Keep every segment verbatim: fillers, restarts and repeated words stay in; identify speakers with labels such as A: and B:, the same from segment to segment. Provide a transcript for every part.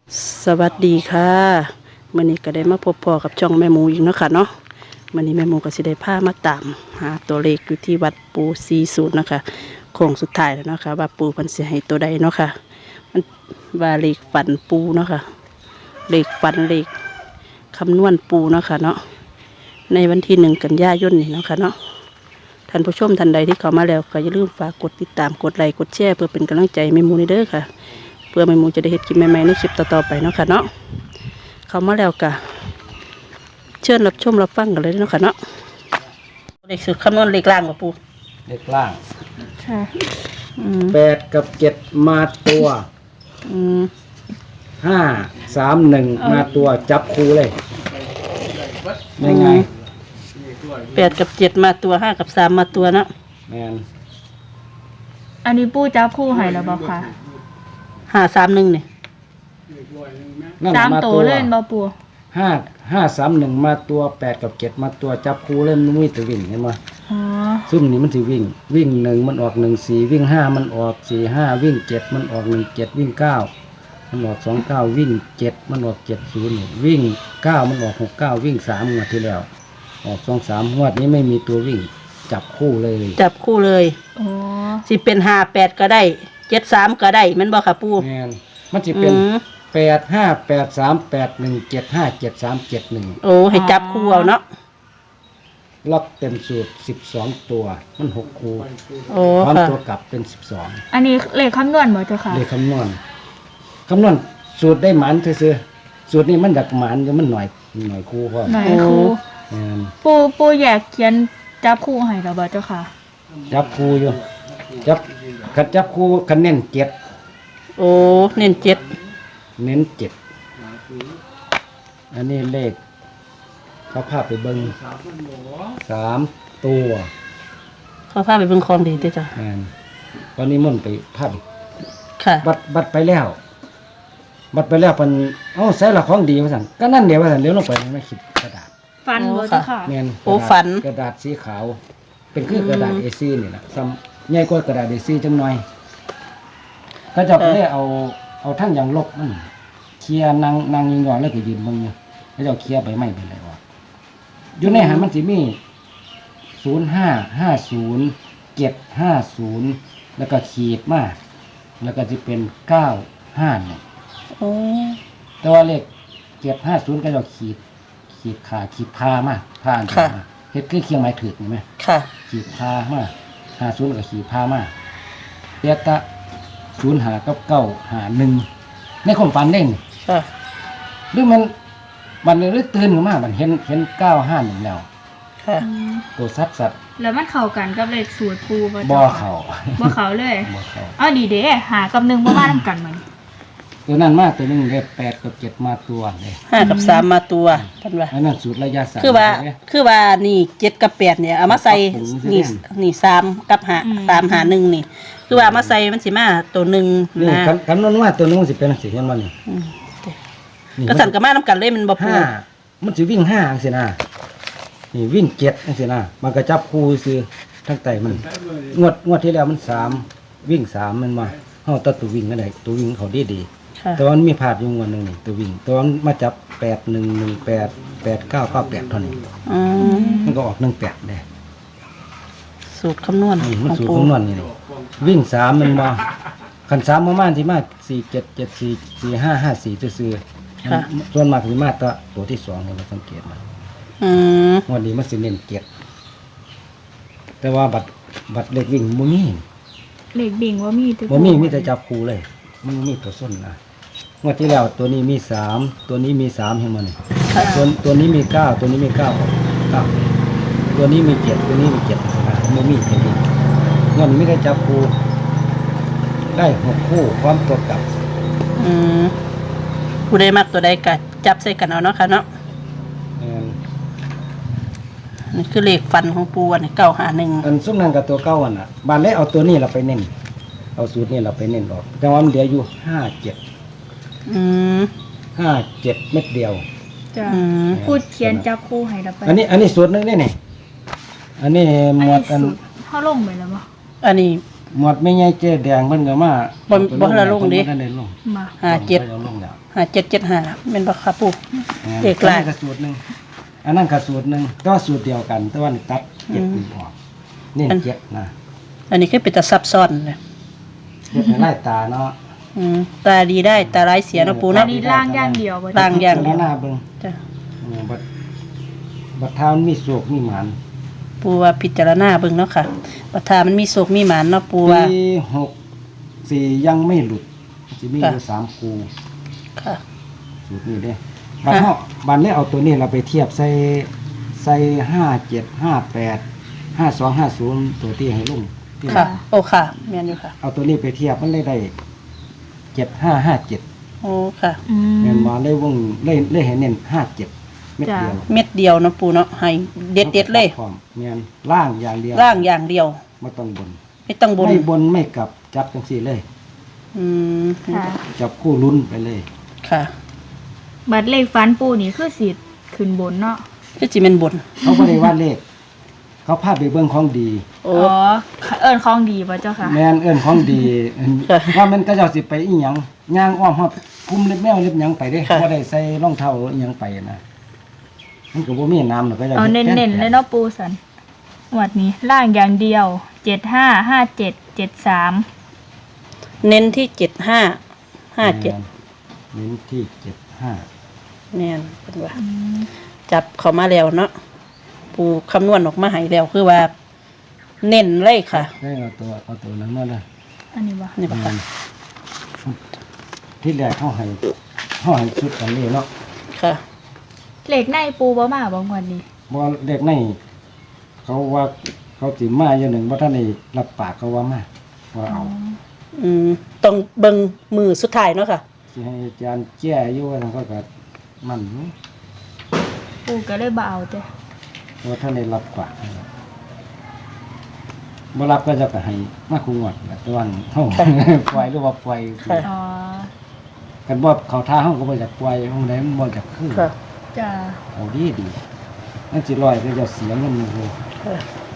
A: สวัสดีค่ะมื่อนี้ก็ได้มาพบพ่อกับช่องแม่หมูอีกเนาะค่ะเนาะมื่อนี้แม่หมูก็สิได้พามาตามหาตัวเลขอยู่ที่วัดปูสี่สิบนะคะโค้งสุดท้ายแล้วเนาะค่ะว่าปูเพิ่นสิให้ตัวใดเนาะค่ะมันว่าเลขฝันปูเนาะค่ะเลขฝันเลขคำนวณปูเนาะค่ะเนาะในวันที่หนึ่งกันยายนนี่เนาะค่ะเนาะท่านผู้ชมท่านใดที่เข้ามาแล้วก็อย่าลืมฝากกดติดตามกดไลค์กดแชร์เพื่อเป็นกำลังใจแม่หมูในเด้อค่ะเพื่อแม่หมูจะได้เห็นคลิปใหม่ๆในคลิปต่อๆไปเนาะค่ะเนาะเข้ามาแล้วกะเชิญรับชมรับฟังกันเลยเนาะค่ะเนาะเลขสุดคำนวณเลขล่างกับปู
B: เลขล่าง
A: ค่ะอืม
B: แปดกับเจ็ดมาตัว
A: อืม
B: ห้าสามหนึ่งมาตัวจับคู่เลยได้ไง
A: แปดกับเจ็ดมาตัวห้ากับสามมาตัวเนาะ
B: แมน
C: อันนี้ปูจับคู่ให้แล้วบ่ค่ะ
A: ห้าสามหนึ่งเนี่ย
B: นั่น
C: สาม
B: มา
C: โต
B: ตัว
C: เล่นบ่ปู
B: ห้าห้าสามหนึ่งมาตัวแปดกับเจ็ดมาตัวจับคู่เล่นมันมีแต่วิ่งเห็นไหม
C: อ๋อ
B: ซุ่มนี้มันถือวิ่ง วิ่งหนึ่งมันออกหนึ่งสี่วิ่งห้ามันออกสี่ห้าวิ่งเจ็ดมันออกหนึ่งเจ็ดวิ่งเก้ามันออกสองเก้าวิ่งเจ็ดมันออกเจ็ดศูนย์วิ่งเก้ามันออกหกเก้าวิ่งสามงวดที่แล้ว ออกสองสามงวดนี้ไม่มีตัววิ่งจับคู่เลย
A: จับคู่เลย
C: อ๋อ
A: สิเป็นห้าแปดก็ได้เจ็ดสามก็ได้แมันบอกค่ะปู
B: แมนมันจะเป็น
A: อืม
B: แปดห้าแปดสามแปดหนึ่งเจ็ดห้าเจ็ดสามเจ็ดหนึ่ง
A: โอ้ให้จับคู่เอาเนาะ
B: ล็อกเต็มสูตรสิบสองตัวมันหกคู่
A: โอ้
B: พร้อม
A: ค่ะ
B: ตัวกลับเป็นสิบสอง
C: อันนี้เลขคำนวณบ่เจ้าค่ะ
B: เลขคำนวณคำนวณสูตรได้หมันซื่อๆสูตรนี้มันดักหมันอยู่มันหน่อยหน่อยคู่พร้อม
C: ไหนครู
B: แม่น
C: ปูปูแยกเขียนจับคู่ให้แล้วบ่เจ้าค่ะ
B: จับคู่อยู่จับคัดจับคู่คะแนนเจ็ด
A: โอ้เน้นเจ็ด
B: เน้นเจ็ดอันนี้เลขเขาพาไปเบิ้งสามตัว
A: เขาพาไปเบิ่งของดีติจ้ะ
B: แม่นตอนนี้มันไปภาพ
A: ค่ะ
B: บัตรบัตรไปแล้ว บัตรไปแล้วมันเอ้าใส่ละของดีว่าสั่นก็นั่นเดี๋ยวว่าสั่นเดี๋ยวลงไปไม่คิดกระดาษ
C: ฟันบ่เจ้าค่ะ
B: แม่น
A: โอ้
B: กระดาษ
A: ฝัน
B: กระดาษสีขาว เป็นคือกระดาษ เอ ซี นี่แหละซ้ำใหญ่กว่ากระดาษ เอ ซี จังหน่อย ก็จะได้เอาเอาทั้งอย่างลบมันเคลียร์นางนางยิงยอนแล้วก็ยืนเบิ่งอยู่แล้วจะเอาเคลียร์ไปไม่เป็นไรวะอยู่ในหันมันสิมีศูนย์ห้าห้าศูนย์เจ็ดห้าศูนย์แล้วก็ขีดมาแล้วก็จะเป็นเก้าห้าเนี่ย
A: โอ้
B: แต่ว่าเลขเจ็ดห้าศูนย์ก็จะขีด ขีดขาขีดพามาพาอันเดียวมาเฮ็ดคือเคียงไม้ถือนี่ไหม
A: ค่ะ
B: ขีดพามาห้าศูนย์กับขีดพามาเปียตะศูนย์หากับเก้าหาหนึ่งในความฝันเด้ง
A: ค่ะ
B: หรือมันมันหรือตื่นขึ้นมามันเห็นเห็นเก้าห้าหนึ่งแล้ว
A: ค่ะ
C: อืม
B: ตัวสัตว์สัตว์
C: แล้วมันเข้ากันกับเลขสูตรปูบ่
B: บ่
C: เจ้า
B: เขา
C: ค่ะบ่เข้าเลย
B: บ่เขา
C: อ้าวดีเด้หากับหนึ่งบ่มานํกันมัน
B: ตัวนั้นมากตัวหนึงเลขแปดกับเจ็ดมาตัวเลย
A: ห้ากับสามมาตัวท่านว่า
B: อันนั้นสูตรระยะสั้น
A: คือว่า
B: ใช่ไหม
A: คือว่านี่เจ็ดกับแปดเนี่ยเอามาใส่
B: ปรับปรุง
A: นี่
B: ใช่ไหม
A: นี่สามกับหาสามหาหนึ่งนี่ คือว่าเอามาใส่มันสิมาตัวหนึ่ง
B: นี่
A: นะ
B: คำคำนวณว่าตัวนึงมันสิเป็นสิเห็นบ่นี่
A: อืม
B: นี่
A: ก็สั่นกับมาน้ำกันเลยมันบ่ปู
B: ห้ามันสิวิ่งห้าจังซี่นะนี่วิ่งเจ็ดจังซี่นะมันก็จับคู่ซื้อทั้งไตมันงวดงวดที่แล้วมันสามวิ่งสามมันมาเฮาตัดตัววิ่งกันได้ตัววิ่งเขาดีดี
A: ค่ะ
B: แต่ว่ามันมีพลาดอยู่งวดหนึงนี่ตัววิ่งแตัวามันมาจับแปดหนึ่งหนึ่งแปดแปดเก้าเก้าแปดเท่านี้
A: อืม
B: มันก็ออกหนึ่งแปดเลย
A: สูตรคำนวณ
B: อืม
A: ข
B: มัน
A: อง
B: สูตร
A: ปู
B: คำนวณนี่นี่วิ่งสามมันมาขันสามประมาณที่มาสี่เจ็ดเจ็ดสี่สี่ห้าห้าสี่ซื้อๆ
A: ค่ะ
B: ส่วนมากที่มาตัวตัวที่สองนี่เราสังเกตมา
A: อืม
B: งวันนี้มันสิเน้นเจ็ดแต่ว่าบัตรบัตรเล็กวิ่งบ่มี
C: เลขบิ่งว่ามีแต่
B: บ่มีมีแต่จับคู่เลย มันบ่มีตัวส้นนะงวดที่แล้วตัวนี้มีสามตัวนี้มีสามเห็นมั้ย
A: ค่ะ
B: ตัวตัวนี้มีเก้าตัวนี้มีเก้าเก้าตัวนี้มีเจ็ดตัวนี้มีเจ็ดนะบ่มีตัวนี้งวดนี้ไม่ได้จับคู่ได้หกคู่พร้อมตัวกลับ
A: อืมผู้ใดมักตัวใดก็จับใส่กันเอาเนาะค่ะเนาะ
B: แม่น
A: นี่คือเลขฟันของปูอันนี้เก้าหาหนึ่ง
B: อันซุ่มนั่นกับตัวเก้าอันน่ะบานเลยเอาตัวนี้เราไปเน้นเอาสูตรนี้เราไปเน้นออกแต่ว่ามันเหลืออยู่ห้าเจ็ด
A: อืม
B: ห้าเจ็ดเม็ดเดียว
C: จ้ะ
A: อืม
C: พูดเขียนจับคู่ให้แล้วไป
B: อันนี้อันนี้สูตรหนึงนี่นี่อันนี้
C: อัน
B: หม
C: นี้
B: วดอัน
C: สูตรเฮาลงไปแล้วบ่
A: อันนี้
B: หมวดไม่ใหญ่เจ๊แดงเพิ่นก็มา
A: บ่บ่ทันได้ลงดิ
B: บ่ทันได้ลง
C: มา
A: ห้าเจ็ด
B: พิ่นก็ลงแล้ว
A: ห้าเจ็ดเจ็ดห้าแม่นบ่ครับปู่
B: นะ
A: เด็กหลาย
B: อันนั้นก็สูตรหนึงอันนั้นก็สูตรหนึงแต่ว่าสูตรเดียวกันแต่ว่านี่ตัดเจ็ดนี่ออกนี่เจ็ดนะ
A: อันนี้คือเป็นตาซับซ้อนเลย
B: เจ็ดให้ไล่ตาเนาะ
A: อืมตาดีได้ตาร้ายเสียเนาะปู่
C: อั
A: เนาะ
C: นนี้ล่างอย่างเดียวบ่
A: ล่างอย่างเดียว
B: พิจรณาเบิ่ง
A: จ้ะ
B: อืมบัดบัดเท้ามันมีโศกมีหมาน
A: ปู่ว่าพิจารณาเบิ่งเนาะค่ะปัทามันมีโศกมีหมานเนาะปู่ว่า
B: ปีหกสี่ยังไม่หลุดจะมีอยู่
A: ค่ะ
B: สามคู
A: ค่ะ
B: สูตรนี้เด้บัดเฮาบัดนี้เอาตัวนี้เราไปเทียบใส่ใส่ห้าเจ็ดห้าแปดห้าสองห้าศูนย์ตัวที่ให้ลุงที่
A: ค่ะ โอ้ค่ะแม่นอยู่ค่ะ
B: เอาตัวนี้ไปเทียบมันเลยได้เจ็ดห้าห้าเจ็ด
A: โอ้ค่ะ
C: อืม
B: เงินมาเลยวงเลยเลยเห็นเน้นห้าเจ็ดเม็ดเดียว
A: เม็ดเดียวเนาะปู่เนาะให้เด็ดเด็ดๆเลย
B: พร้อมเงินล่างอย่างเดียว
A: ร่างอย่างเดียว
B: ไม่ต้องบน
A: ไม่ต้องบน
B: ไม่บนไม่กลับจับจังสี่เลย
A: อืม
C: ค่ะ
B: จับคู่ลุ้นไปเลย
A: ค่ะ
C: บัดเลขฟันปูนี่คือสิขึ้นบนเนาะ
A: คือสิเป็นบน
B: เขาไม่ได้วาดเลข เขาพาไปเบื้องของดี
A: โอ้
C: อ๋อเอิ้นของดีบ่เจ้าค่ะ
B: แมนเอิ้นของดีเอิ้น
A: ค่ะ
B: ว่ามันก็เจ้าสิไปอีหยังย่างอ้อมฮอดคุมเล็บแมวเล็บหยังไปเด้
A: ค่ะ
B: บ่ได้ใส่รองเท้าอีหยังไปนะมันก็บ่มีน้ำหรอกก็เจ้า
C: เอาเน้นๆเลยเนาะปูสันงวดนี้ล่างอย่างเดียวเจ็ดห้าห้าเจ็ดเจ็ดสาม
A: เน้นที่เจ็ดห้าห้าเจ็ด
B: เน้นที่เจ็ดห้า
A: แม่นเป็นว่า จับเขามาแล้วเนาะปูคำนวณออกมาให้แล้วคือว่า เน้นเลยค่ะ
B: ได้เอาตัวเอาตัวนั้นมาเลย
C: อันนี้บ่
A: นี่ปะค่ะ
B: ที่แรกเขาให้เขาให้ชุดกันนี้เนาะ
A: ค่ะ
C: เลขในปูบ่มาบ่งวดนี้
B: บ่เด็กในเขาว่าเขาสิมาอย่างหนึ่งว่าท่านได้รับปากเขาว่ามาว่าเอา
A: อืมต้องเบิ่งมือสุดท้ายเนาะค่ะ
B: สิให้อาจารย์แก้อยู่ว่าทางเขาก็มันอยู่
C: ปูก็เลยบ่เอาเด้
B: ว่าท่านได้รับปากบ่รับก็จะก็ให้มาคุงวดแหละแต่ว่าเฮา ปล่อยหรือว่าปล่อย
A: ค่ะ
C: อ๋อ
B: กันบ่เขาท่าเฮาก็บ่อยากปล่อยเฮาได้มันบ่อยากคือ
A: ค่ะ
C: จ้า
B: เอาดีดีนั่นสิลอยก็จะเสียเงินอยู่
A: ค่ะ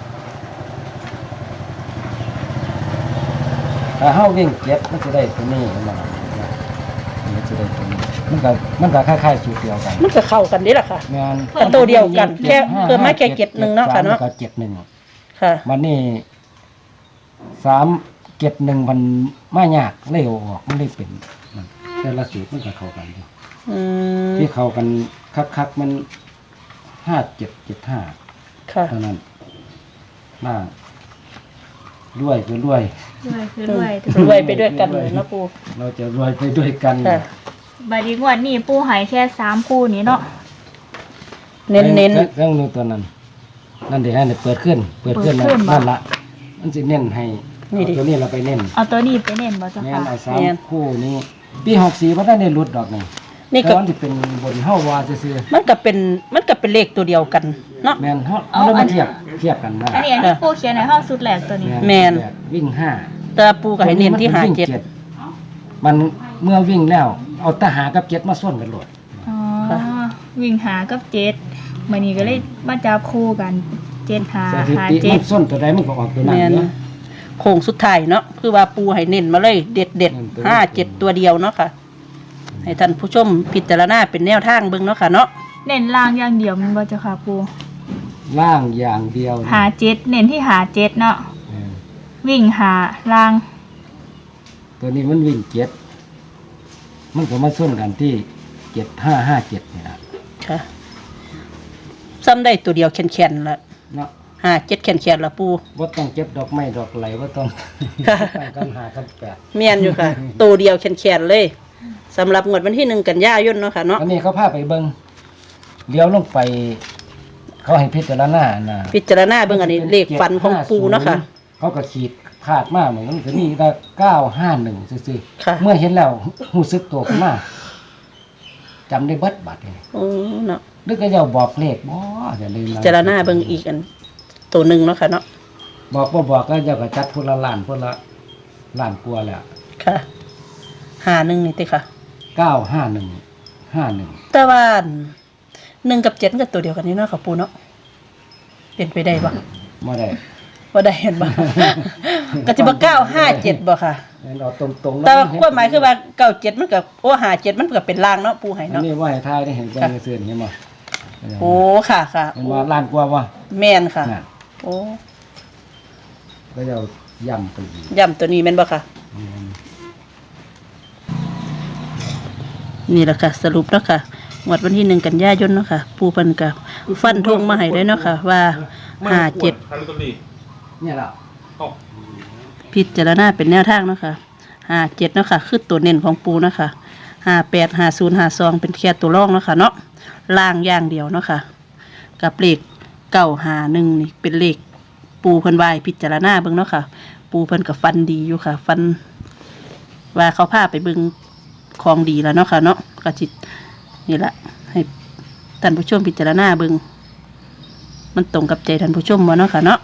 B: ถ้าเฮาวิ่งเก็บมันจะได้ตัวนี้มามันจะได้ตัวนี้มันก็มันก็คล้ายๆสูตรเดียวกัน
A: มันก็เข้ากันนี่แหละค่ะ
B: แม่น
A: แต่ตัวเดียวกันแค่เพิ่มมาแค่เจ็ดหนึ่งเนาะค่ะเนาะ
B: ก็เจ็ดหนึ่ง
A: ค่ะ
B: วันนี้สามเจ็ดหนึ่งมันไม่ยากเลยเอาออกมันเลยเป็นนั่นแต่ละสูตรมันก็เข้ากันอยู่
A: อืม
B: ที่เข้ากันคักๆมันห้าเจ็ดเจ็ดห้า
A: ค่ะ
B: เท่านั้นน่าด้วยคือรวย
C: รวยคือรวย
A: รวยไปด้วยกันเลยเนาะปู
B: เราจะรวยไปด้วยกัน
A: ค่ะ
C: บัดนี้งวดนี้ปูใหายแค่สามคู่นี้เนาะ
A: เน้นเน้น
B: เรื่องนึงตัวนั้น นั่นเดี๋ยวให้เปิดขึ้น เปิดขึ้น
C: เปิดขึ้นบ่
B: นั่นละมันจะเน้นให้เอาตัวนี้เราไปเน้น
C: เอาตัวนี้ไปเน้นบ่เจ้า
B: แม่
C: ค่ะ
B: นเอาสามคู่นี้ปีหกสี่ว่าได้ในรุดดอกนี่
A: ๆนี่
B: แต่
A: ก็
B: ว่าที่เป็นบนเฮาวาซื่อ
A: มันก็เป็นมันก็เป็นเลขตัวเดียวกันเนาะ
B: ๆแม่นเฮาเอาแล้วมาเทียบเทียบกันได้
C: อันนี้อันที่ปูเขียนในห้องสุดแหลกตัวนี้
A: แม่น
B: แบบวิ่งห้า
A: แต่ปูก็ให้เน้นที่หาเจ็ด
B: มันเมื่อวิ่งแล้ว เอาทหารกับเจ็ดมาส้นกันโหลด
C: อ๋อ
A: ค่ะ
C: วิ่งหากับเจ็ดมันนี้ก็เลยมาจับคู่กันเจ็ดหา
B: สถิ
C: หา
B: ติ
C: เจ็
B: มั
C: ด
B: นส้นตัวใดมันก็ออกตัวนั้น
A: แม่น
B: เนาะ
A: โค้งสุดท้ายเนาะคือว่าปูให้เน้นมาเลยเด็ดเด็ด
B: เน้นตัว
A: ห้าเจ็ดตัวเดียวเนาะค่ะ ให้ท่านผู้ชมพิจารณาเป็นแนวทางเบิ่งเนาะค่ะเนาะ
C: เน้นล่างอย่างเดียวมันบ่เจ้าค่ะปู
B: ล่างอย่างเดียว
C: หาเจ็ดเน้นที่หาเจ็ดเนาะ
B: เออ
C: วิ่งหาล่าง
B: ตัวนี้มันวิ่งเจ็ดมันก็มาส้นกันที่เจ็ดห้าห้าเจ็ดนี่นะ
A: ค่ะซ้ำได้ตัวเดียวแข็งๆละ
B: เนาะ
A: ห้าเจ็ดแข็งๆละปู
B: ว่าต้องเก็บดอกไม้ดอกไหลว่าต้อง
A: ค่ะ
B: ต้องกันหากันแปด
A: เมียนอยู่ค่ะ ตัวเดียวแข็งๆเลยสำหรับงวดวันที่หนึ่งกันยายนเนาะค่ะเนาะ
B: อันนี้เขาพาไปเบิ้งเลี้ยวลงไป เขาให้พิจารณานะ
A: พิจารณาเบิ่งอันนี้เลขฟันของปูเนาะค่ะ
B: เขาก็ขีดพาดมากเหมือนกันจะมีได้เก้าห้าหนึ่งซื่อ
A: ค่ะ
B: ๆเมื่อเห็นแล้วหูซึกตัวขึ้นมาจำได้เบิดบัดเลย
A: โอ้เนาะ
B: นึกก็จะบอกเลขบ่อย่าลืม
A: พิจารณาเบิ่งอีกอันตัวหนึ่งเนาะค่ะเนาะ
B: บอกบ่บอกก็จะกระจัดพนละล้านพนละล้านกลัวาแล้ว
A: ค่ะหาหนึ่งนี่ติค่ะ
B: เก้าห้าหนึ่งห้าหนึ่ง
A: แต่ว่าหนึ่งกับเจ็ดก็ตัวเดียวกันนี่เนาะค่ะปูเนาะเป็นไปได้ปะ
B: ไม่ได้
A: บ่บ่ได้เห็นบ่ ก็สิบ่เก้าห้าเจ็ดบ่ค่ะ
B: เอาตรงๆ
A: แต่ว่าความหมายคือว่าเก้าเจ็ดมันก็โอ้ห้าเจ็ดมันก็เป็นล่างเนาะปูให้
B: อัน
A: เนาะ
B: นี้ว่าให้ทายได้เห็นเบิ่งซื่อๆเห็นบ่
A: โอ้ค่ะค่ะ
B: เห็นว่าล้านกว่าบ่
A: แม่นค่ะ
B: น่ะ
A: โอ้
B: ก็จะเอาย่ำไปอีก
A: ย่ำตัวนี้แม่นบ่ค่ะ
B: อืม
A: นี่แหละค่ะ สรุปเนาะค่ะงวดวันที่หนึ่งกันยายนเนาะค่ะปูเพิ่นก็ฟันธงมาให้ได้เนาะค่ะ ว่าห้าเจ็ด
B: เนี่ยล่ะ
A: พิจารณาเป็นแนวทางเนาะค่ะห้าเจ็ดเนาะค่ะคือตัวเน้นของปูเนาะค่ะห้าแปดห้าศูนย์ห้าสองเป็นแค่ตัวรองเนาะค่ะเนาะล่างอย่างเดียวเนาะค่ะ กับเลขเก้าห้าหนึ่งนี่เป็นเลขปูเพิ่นวายพิจารณาเบิ่งเนาะค่ะ ปูเพิ่นกับฟันดีอยู่ค่ะ ฟัน ว่าเขาพาไปเบิ่งของดีแล้วเนาะค่ะเนาะก็จิตนี่แหละให้ท่านผู้ชมพิจารณาเบิ่งมันตรงกับใจท่านผู้ชมบ่เนาะค่ะเนาะ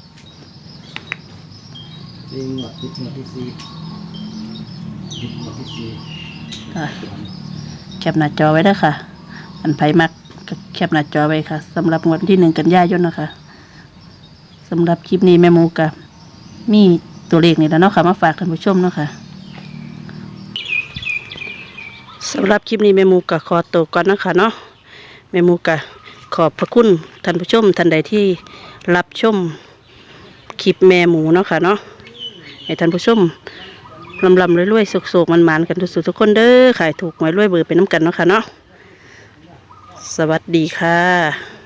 B: จริงหมดติดหมดที่สี่ติดหมดที่สี่
A: ค่ะแคปหน้าจอไว้เด้อค่ะ อันไผมักก็แคปหน้าจอไว้ค่ะสำหรับงวดวันที่หนึ่งกันยายนนะคะสำหรับคลิปนี้แม่หมูกับมีตัวเลขนี่แล้วเนาะค่ะมาฝากท่านผู้ชมเนาะค่ะสำหรับคลิปนี้แม่หมูกับขอตัวก่อนเนาะคะเนาะแม่หมูกับขอบพระคุณท่านผู้ชมท่านใดที่รับชมคลิปแม่หมูเนาะค่ะเนาะให้ท่านผู้ชมลำลำรวยๆสุกๆมันๆกันทุกทุกคนเด้อขายถูกหวยรวยเบอร์เป็นน้ำกันเนาะค่ะเนาะสวัสดีค่ะ